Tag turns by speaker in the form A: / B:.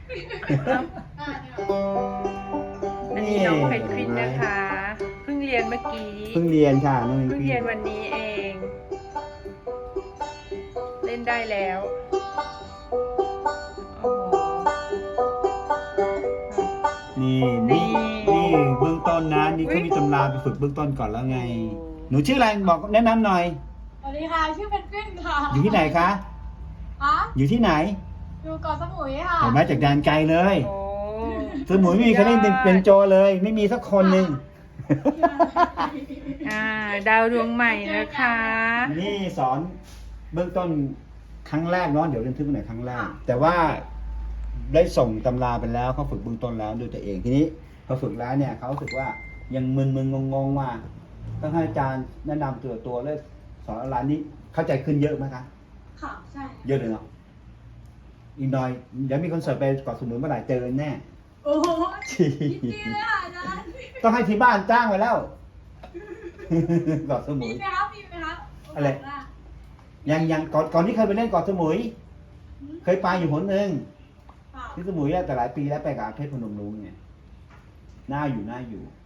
A: อันนี้น้องเพนกวินนะคะเพิ่งเรียนเมื่อกี้
B: เพิ่งเรียนค่ะน้อง
A: เพิ่งเรียนวันนี้เอง เล่นได้แล้วโอ้โห
B: นี่เบื้องต้นนะนี่เขามีตำราไปฝึกเบื้องต้นก่อนแล้วไง หนูชื่ออะไรบอกแนะนำหน่อย
C: สวัสดีค่ะ ชื่อเพนกวินค่ะ
B: อยู่ที่ไหนคะ
C: ฮะ
B: อยู่ที่ไหน
C: อยู่เกาะสมุยค่ะ
B: เห็นไหมจากแดนไกลเลย
A: โอ้
B: สมุยไม่มีใครเล่นเป็นโจเลย ไม่มีสักคนหนึ่ง
A: ดาวดวงใหม่นะคะ
B: นี่สอนเบื้องต้นครั้งแรกเนาะเดี๋ยวเรียนทึกหน่อยครั้งแรก แต่ว่าได้ส่งตำราไปแล้วเขาฝึกเบื้องต้นแล้วด้วยตัวเองทีนี้พอฝึกแล้วเนี่ยเขารู้สึกว่ายังมึนงงว่าต้องให้อาจารย์แนะนำตัวเลยสอนร้านนี้เข้าใจขึ้นเยอะไหมคะ
C: ค่ะ ใช่
B: เยอะเลยเนาะอีกหน่อยเดี๋ยวมีคอนเสิร์ตไปเกาะสมุยเมื่อไหร่เจอแน่
C: โอ้โหยินดีเลยค่ะอาจารย์
B: ต้องให้ที่บ้านจ้างไว้แล้ว เกาะสมุ
C: มี
B: ย
C: ไหมครับมีไหมครับ
B: อะไร ยังก่อนที่เคยไปเล่นเกาะสมุย เคยไปอยู่หนหนึ่ง
C: ค่ะ
B: ที่สมุยอะแต่หลายปีแล้วไปกับเพชรพนมรุ้งเนี่ยน่าอยู่